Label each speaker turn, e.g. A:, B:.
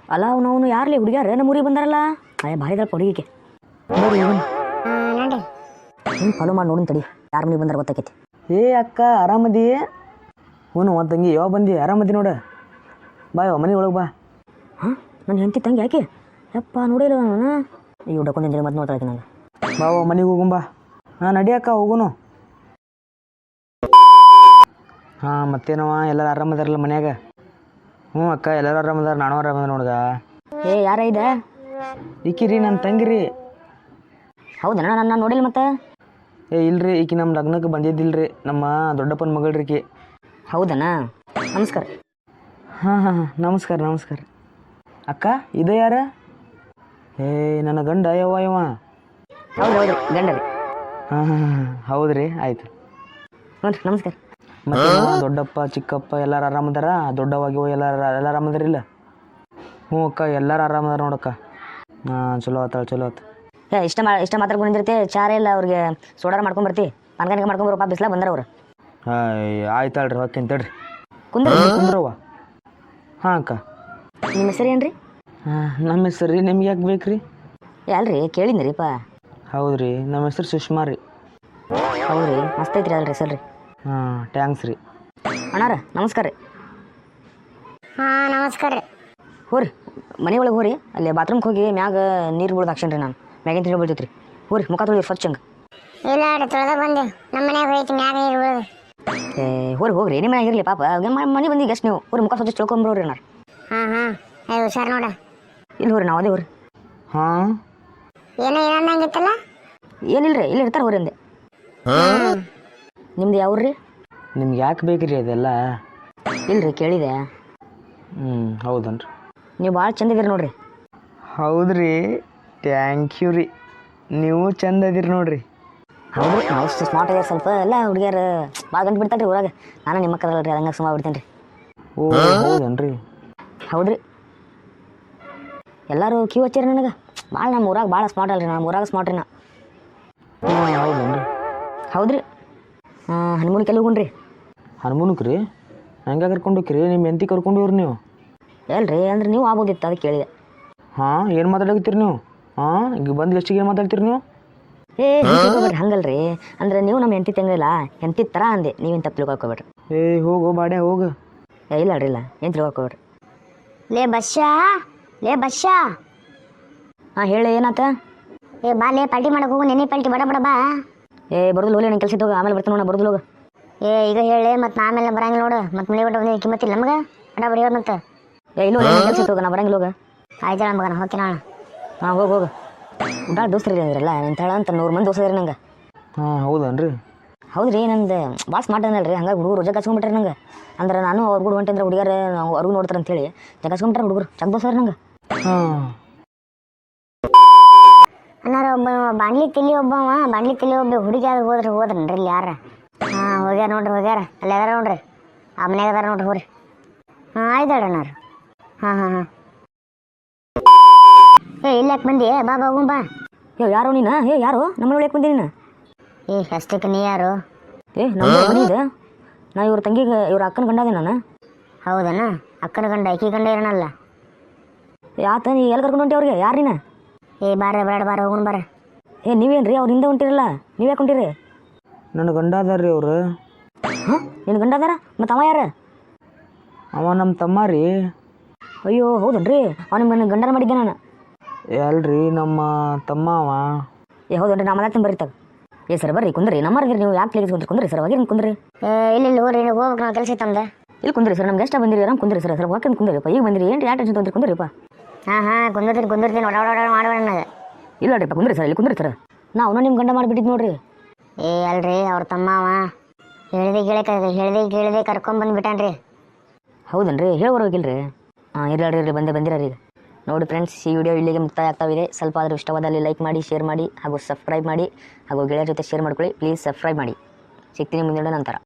A: ಅಲ್ಲ ಅವನು ಯಾರ್ಲಿ ಹುಡುಗ್ಯಾರ ನಮ್ಮ ಊರಿಗೆ ಬಂದಾರಲ್ಲ ಅಯ್ಯ ಭಾರಿ ಇದಾಳಪ್ಪ ಹುಡುಗಿಗೆ ನೋಡಿ
B: ನೋಡಿ
A: ಹಿಂಗೆ ಫಾಲೋ ಮಾಡಿ ನೋಡಿನ ತಡಿ ಯಾರ ಮನೆಗೆ ಬಂದಾರ ಗೊತ್ತಾಕೈತಿ.
C: ಏ ಅಕ್ಕ ಆರಾಮದಿ? ಹ್ಞೂ ಒಂದು ತಂಗಿ ಯಾವಾಗ ಬಂದಿ? ಆರಾಮದಿ ನೋಡ, ಬಾ ಯಾವ ಮನೆ ಒಳಗೆ ಬಾ.
A: ಹಾಂ ನನ್ನ ಹೆಂಡತಿ ತಂಗಿ ಯಾಕೆ ಯಪ್ಪ ನೋಡಿಲ್ಲ ನಾನು ಈಗ ಹುಡ್ಕೊಂಡ್ ಮತ್ತೆ ನೋಡ್ತಾ ನಂಗೆ.
C: ಬಾ ಮನೆಗೆ ಹೋಗುಂಬಾ. ಹಾಂ ನಡಿ ಅಕ್ಕ ಹೋಗುನು. ಹಾಂ ಮತ್ತೇನವ ಎಲ್ಲರೂ ಆರಾಮದಾರಲ್ಲ ಮನ್ಯಾಗ? ಹ್ಞೂ ಅಕ್ಕ ಎಲ್ಲರೂ ಆರಾಮದಾರ, ನಾನು ಆರಾಮದ ನೋಡ್ಗ.
A: ಏ ಯಾರ ಇದೆ?
C: ಈಕಿರಿ ನನ್ನ ತಂಗಿರಿ.
A: ಹೌದಣ್ಣ ನಾನು ನೋಡಿಲ್ಲ ಮತ್ತೆ.
C: ಏ ಇಲ್ರಿ, ಈಕಿ ನಮ್ಮ ಲಗ್ನಕ್ಕೆ ಬಂದಿದ್ದಿಲ್ರಿ, ನಮ್ಮ ದೊಡ್ಡಪ್ಪನ ಮಗಳ್ರಿ ಈಕಿ.
A: ಹೌದಣ್ಣ ನಮಸ್ಕಾರ.
C: ಹಾಂ ಹಾಂ ನಮಸ್ಕಾರ ನಮಸ್ಕಾರ. ಅಕ್ಕ ಇದು ಯಾರ? ಏ ನನ್ನ ಗಂಡ ಯವ್ವ ಯವ.
A: ಹೌದು ಹೌದು ಗಂಡ ರೀ.
C: ಹಾಂ ಹಾಂ ಹಾಂ ಹೌದ್ರಿ, ಆಯಿತು.
A: ಹ್ಞೂ ರೀ ನಮಸ್ಕಾರ.
C: ಮತ್ತೆ ದೊಡ್ಡಪ್ಪ ಚಿಕ್ಕಪ್ಪ ಎಲ್ಲರೂ ಆರಾಮದಾರ? ದೊಡ್ಡವಾಗಿವ ಎಲ್ಲ ಆರಾಮದಾರಿಲ್ಲ? ಹ್ಞೂ ಅಕ್ಕ ಎಲ್ಲರೂ ಆರಾಮದಾರ ನೋಡಕ್ಕ. ಹಾಂ ಚಲೋ ಆತಾಳ ಚಲೋ ಆತ.
A: ಏ ಇಷ್ಟ ಮಾತಾಡ್ಕೊಂಡು ನಿಂದಿರ್ತಿ, ಚಾರ ಇಲ್ಲ ಅವ್ರಿಗೆ ಸೋಡಾರ ಮಾಡ್ಕೊಂಡು ಬರ್ತಿ, ಪಾನ್ಕಾನಿಗೆ ಮಾಡ್ಕೊಂಡು ಬರಪ್ಪ, ಬಿಸ್ಲಾಗ ಬಂದಾರ ಅವ್ರು.
C: ಹಾಂ ಆಯ್ತಾಳ್ರಿ ಹೊಕ್ಕೇನು ತಡ್ರಿ.
A: ಕುಂದ್ರ
C: ಕುಂದ್ರವ್ವ. ಹಾಂ ಅಕ್ಕ.
A: ನಿಮ್ಮ ಹೆಸರು ಏನು ರೀ?
C: ಹಾಂ ನಮ್ಮ ಹೆಸರು ರೀ, ನಿಮ್ಗೆ ಯಾಕೆ ಬೇಕು ರೀ?
A: ಅಲ್ರಿ ಕೇಳಿದ್ನಿ ರೀಪ್ಪ.
C: ಹೌದು ರೀ, ನಮ್ಮ ಹೆಸರು ಸುಷ್ಮಾ ರೀ.
A: ಹೌದು ರೀ ಮಸ್ತ್ ಐತ್ರಿ ಅಲ್ರಿ ಹೆಸರು ರೀ.
C: ಹಾಂ ಟ್ಯಾಂಕ್ಸ್ ರೀ.
A: ಅಣ್ಣಾರ ನಮಸ್ಕಾರ ರೀ.
B: ಹಾಂ ನಮಸ್ಕಾರ ರೀ.
A: ಹೋರಿ ಮನೆ ಒಳಗೆ ಹೋರಿ, ಅಲ್ಲಿ ಬಾತ್ರೂಮ್ಗೆ ಹೋಗಿ ಮ್ಯಾಗ ನೀರು ಬೀಳ್ದು ಹಾಕ್ಸೇನ್ರಿ ನಾನು, ಮ್ಯಾಗಿನ ನೀರು ಬೀಳ್ತೈತೆ ರೀ. ಹೋರಿ ಮುಖ ತೊಳಿ ಸ್ವಚ್ಛ ಹಂಗೆ.
B: ಇಲ್ಲ ರೀ ತೊಳೆದ ಬಂದೆ, ನಮ್ಮ ಮನ್ಯಾಗ ಹೋಯ್ತು ಮ್ಯಾಗ ನೀರು ಬೀಳೋದು.
A: ಏ ಹೋಗ್ರಿ ನಿಮ್ಮ ಮನೆಯಾಗ ಇರಲಿ ಪಾಪ, ಮನೆ ಬಂದು ಗೆಸ್ಟ್ ನೀವು ಹೋರಿ ಮುಖ ಸ್ವಚ್ಛ ತಿಳ್ಕೊಂಬ್ರೋರಿ ಅಣ್ಣಾರ.
B: ಹಾಂ ಹಾಂ ಏ ಹುಷಾರು ನೋಡ.
A: ಇಲ್ಲಿ ಹೋರಿ ನಾವು ಅದೇ ಹೋರಿ.
C: ಹಾಂ
B: ಏನೋ ಏನಂದಂಗಿತ್ತಲ್ಲ?
A: ಏನಿಲ್ಲ ರೀ, ಇಲ್ಲಿ ಇರ್ತಾರೆ ಹೋರಿ ಅಂದೆ. ನಿಮ್ದು ಯಾವ್ರಿ?
C: ನಿಮ್ಗೆ ಯಾಕೆ ಬೇಕು ರೀ ಅದೆಲ್ಲ?
A: ಇಲ್ರಿ ಕೇಳಿದೆ.
C: ಹೌದನ್ರಿ.
A: ನೀವು ಭಾಳ ಚಂದ ಇದೀರಿ ನೋಡ್ರಿ.
C: ಹೌದ್ರಿ, ಥ್ಯಾಂಕ್ ಯು ರೀ, ನೀವು ಚಂದ ಅದೀರಿ ನೋಡ್ರಿ.
A: ಹೌದು ನಾವು ಅಷ್ಟು ಸ್ಮಾರ್ಟ್ ಆಗ್ಯಾರ, ಸ್ವಲ್ಪ ಎಲ್ಲ ಹುಡುಗಿಯರು ಭಾಳ ಗಂಟು ಬಿಡ್ತಾರೆ ರೀ ಊರಾಗ. ನಾನು ನಿಮ್ಮ ಕರಲ್ಲ ರೀ, ಹಂಗೆ ಸುಮ್ಮ ಬಿಡ್ತೇನೆ ರೀ.
C: ಓ ಹೌದನ್ರಿ.
A: ಹೌದ್ರಿ ಎಲ್ಲರೂ ಕ್ಯೂ ಹಚ್ಚಾರ ನನಗೆ ಭಾಳ. ನಮ್ಮ ಊರಾಗ ಭಾಳ ಸ್ಮಾರ್ಟ್ ಅಲ್ರಿ, ನಮ್ಮ ಊರಾಗ ಸ್ಮಾರ್ಟ್ ರೀ ನಾ.
C: ಹೌದನ್ರಿ.
A: ಹೌದ್ರಿ. ಹನುಮೂನ್ ಕೆಲ ಹೋಗುಣ್ರಿ.
C: ಹನುಮೂನಕ್ಕೆ ರೀ? ಹೆಂಗೆ ಕರ್ಕೊಂಡು ಹೋಗ್ರಿ? ನಿಮ್ಮ ಹೆಂಡತಿ ಕರ್ಕೊಂಡು ಹೋಗ್ರಿ ನೀವು?
A: ಎಲ್ರಿ ಅಂದ್ರೆ ನೀವು ಆಗ್ಬೋದಿತ್ತು, ಅದಕ್ಕೆ ಕೇಳಿದೆ.
C: ಹಾಂ ಏನು ಮಾತಾಡಕತ್ತೀರಿ ನೀವು? ಹಾಂ ಈಗ ಬಂದು ಎಷ್ಟಿಗೆ ಏನು ಮಾತಾಡ್ತೀರಿ ನೀವು?
A: ಏ ತಿಳ್ಕೊಬೇಡ್ರಿ ಹಂಗಲ್ರಿ, ಅಂದ್ರೆ ನೀವು ನಮ್ಮ ಹೆಂಡತಿ ತಂಗಿಲ್ಲ, ಹೆಂಡತಿ ಥರ ಅಂದೆ, ನೀವೇನು ತಪ್ಪು ತಿಳ್ಕೊಬೇಡ್ರಿ.
C: ಏ ಹೋಗು ಬಾಡೆ ಹೋಗು.
A: ಏ ಇಲ್ಲ ಅಡ್ರಿ, ಇಲ್ಲ ಏನು ತಿಳ್ಕೊಬೇಡ್ರಿ.
B: ಲೇ ಬಸ್ಸಾ, ಲೇ ಬಸ್ಸಾ.
A: ಹಾಂ ಹೇಳಿ ಏನಾತ?
B: ಏ ಬಾ ಲೇ ಪಾರ್ಟಿ ಮಾಡಕ್ಕೆ ಹೋಗು, ನೆನೆ ಪಾರ್ಟಿ ಬಡ ಬಡ ಬಾ.
A: ಏ ಬರೋದಿಲ್ಲ ಹೋಗಿ, ನಂಗೆ ಕೆಲಸ ಹೋಗಿ ಆಮೇಲೆ ಬರ್ತೀನಿ ನೋಡ, ಬರೋದಿಲ್ಲ ಹೋಗ.
B: ಏ ಈಗ ಹೇಳಿ ಮತ್ತು ಆಮೇಲೆ ಬರಂಗಿಲ್ಲ ನೋಡು, ಮತ್ತು ಮನೆ ಬಿಟ್ಟು ಬಂದು ಕಿಮ್ಮತ್ತಿಲ್ಲ ನಮ್ಗೆ ಬಡ ಬಡಿಯೋರು ಮತ್ತೆ.
A: ಏ ಇಲ್ಲ ಕೆಲಸ ಹೋಗ, ನಾ ಬರಂಗಿಲ್ಲ ಹೋಗ.
B: ಆಯ್ತಾಳ ಮಗನ ಹೋಗಿ ನಾನು.
A: ಹಾಂ ಹೋಗು ಉಡಾಳ ದೋಸ್ತರಿ ಅಂದ್ರಲ್ಲ ನಿಂತಾಳ ಅಂತ 100 ಮಂದಿ ದೋಸ್ತರಿ ನಂಗೆ.
C: ಹಾಂ ಹೌದನ್ರಿ.
A: ಹೌದ್ರಿ ನಂದು ಭಾಳ ಸ್ಮಾರ್ಟ್ ಅನ್ನಲ್ರಿ, ಹಂಗಾಗಿ ಹುಡುಗರು ರಜೆ ಕಚ್ಕೊಂಡ್ಬಿಟ್ರೆ ನಂಗೆ. ಅಂದ್ರೆ ನಾನು ಅವ್ರ ಕೂಡ ಹೊಂಟಂದ್ರೆ ಹುಡುಗರು ಅವ್ರಿಗೂ ನೋಡ್ತಾರೆ ಅಂತೇಳಿ ಜಗಸ್ಕೊಂಡ್ಬಿಟ್ರೆ ಹುಡುಗರು ಚಂದ ದೋಸ್ತರಿ ನಂಗೆ.
C: ಹಾಂ
B: ಅನ್ನಾರ ಒಬ್ಬ ಬಾಣ್ಲಿ ತಿಳಿ ಒಬ್ಬ ಹುಡುಗಿ ಆದ್ರೆ ಹೋದ್ರನ್ರಿ ಇಲ್ಲಿ ಯಾರ? ಹಾಂ ಹೋಗ್ಯಾರ ನೋಡ್ರಿ, ಹೋಗ್ಯಾರ ಅಲ್ಲಿ ಅದಾರ ನೋಡ್ರಿ, ಆ ಮನ್ಯಾಗ ಅದಾರ ನೋಡ್ರಿ ಹೋರಿ. ಹಾಂ ಆಯ್ತಾಳ ಅಣ್ಣಾರ. ಹಾಂ ಹಾಂ ಹಾಂ ಏ ಇಲ್ಲ ಯಾಕೆ ಬಂದಿ? ಬಾ ಬಾ ಹೋಗುಂ ಬಾ.
A: ಯಾರೋ ನೀನು? ಯಾರು ನಮ್ಮ ಒಳಗೆ ಬಂದಿ ನೀನು?
B: ಅಷ್ಟಕ್ಕೆ ನೀ ಯಾರು?
A: ನಮ್ಮ ಮನೆ ಇದೆ, ನಾ ಇವ್ರ ತಂಗಿಗೆ ಇವ್ರ ಅಕ್ಕನ ಗಂಡ ಅದೇ ನಾನು.
B: ಹೌದನ? ಅಕ್ಕನ ಗಂಡ ಅಕ್ಕಿ ಗಂಡ ಇರೋಣಲ್ಲ.
A: ಯಾತ ನೀ ಎಲ್ಲಿ ಕರ್ಕೊಂಡು ಹೊಂಟಿ ಅವ್ರಿಗೆ? ಯಾರು ನೀನು?
B: ಬಾರ ಬೇಡ ಬಾರ ಹೋಗುಣ ಬಾರ.
A: ನೀವೇನು ರೀ ಅವ್ರ ಹಿಂದೆ ಹೊಂಟಿರಲ್ಲ, ನೀವು ಯಾಕೆ ಹೊಂಟಿರಿ?
C: ನನ್ನ ಗಂಡ ಅದಾರ ರೀ ಅವರು.
A: ಹಾಂ ನಿನ್ನ ಗಂಡ ಅದಾರ? ಮತ್ತು ಅವ ಯಾರು?
C: ಅವ ನಮ್ಮ ತಮ್ಮ ರೀ.
A: ಅಯ್ಯೋ ಹೌದನ್ರಿ, ಅವ ನಿಮ್ಮ ಗಂಡನ ಮಾಡಿದ್ದೆ ನಾನು.
C: ಅಲ್ರಿ ನಮ್ಮ ತಮ್ಮ ಅವ.
A: ಹೌದನ್ರಿ, ನಾ ಮಾತಾಡ್ತೀನಿ ಬರ್ರಿ ತಗ. ಸರ್ ಬರ್ರಿ ಕುಂದ್ರಿ, ನಮ್ಮರ್ಗಿರಿ ನೀವು ಯಾಕೆ ಪ್ಲೇಸ್ ಕುಂದ್ರಿ ಸರ್, ಹೋಗಿ ಕುಂದ್ರಿ.
B: ಇಲ್ಲಿ ಹೋಗ್ರಿ ಹೋಗ್ಬೇಕು ನಾವು ಕೆಲಸ ಇತ್ತಂದ.
A: ಇಲ್ಲಿ ಕುಂದ್ರಿ ಸರ್, ನಮ್ಗೆ ಎಷ್ಟು ಬಂದಿರಿ ಆರಾಮ್ ಕುಂದ್ರಿ ಸರ್. ಸರ್ ಹೋಗಿ ಕುಂದ್ರಿಪ್ಪ, ಈಗ ಬಂದಿರಿ ಏನು ಯಾವ ಟೆನ್ಷನ್ ತೊಂದ್ರಿ, ಕುಂದ್ರಿಪ್ಪ.
B: ಹಾಂ ಕುಂದಿರ್ತೀನಿ ಓಡಾಡ ಮಾಡೋಣ ನನಗೆ.
A: ಇಲ್ಲ ನೋಡ್ರಿಪ್ಪ ಕುಂದ್ರಿ ಸರ್, ಇಲ್ಲಿ ಕುಂದ್ರಿ ಸರ್. ನಾವು ನಿಮ್ಮ ಗಂಡ ಮಾಡಿಬಿಟ್ಟಿದ್ದು ನೋಡ್ರಿ.
B: ಅಲ್ರಿ ಅವ್ರ ತಮ್ಮ ಅವ, ಹೇಳಿದೆ ಕರ್ಕೊಂಬಂದ್ಬಿಟ್ಟಾನ್ರಿ.
A: ಹೌದನ್ರಿ, ಹೇಳೋಗಿಲ್ರಿ. ಹಾಂ ಇರಲಿ ಬಂದಿರ ಈಗ ನೋಡಿ ಫ್ರೆಂಡ್ಸ್, ಈ ವಿಡಿಯೋ ಇಲ್ಲಿಗೆ ಮುಕ್ತಾಯ ಆಗ್ತಾವಿದೆ. ಸ್ವಲ್ಪ ಆದರೂ ಇಷ್ಟವಾದಲ್ಲಿ ಲೈಕ್ ಮಾಡಿ, ಶೇರ್ ಮಾಡಿ ಹಾಗೂ ಸಬ್ಸ್ಕ್ರೈಬ್ ಮಾಡಿ ಹಾಗೂ ಗೆಳೆಯರ ಜೊತೆ ಶೇರ್ ಮಾಡ್ಕೊಳ್ಳಿ. ಪ್ಲೀಸ್ ಸಬ್ಸ್ಕ್ರೈಬ್ ಮಾಡಿ. ಸಿಗ್ತೀನಿ ಮುಂದಿನ ನಂತರ.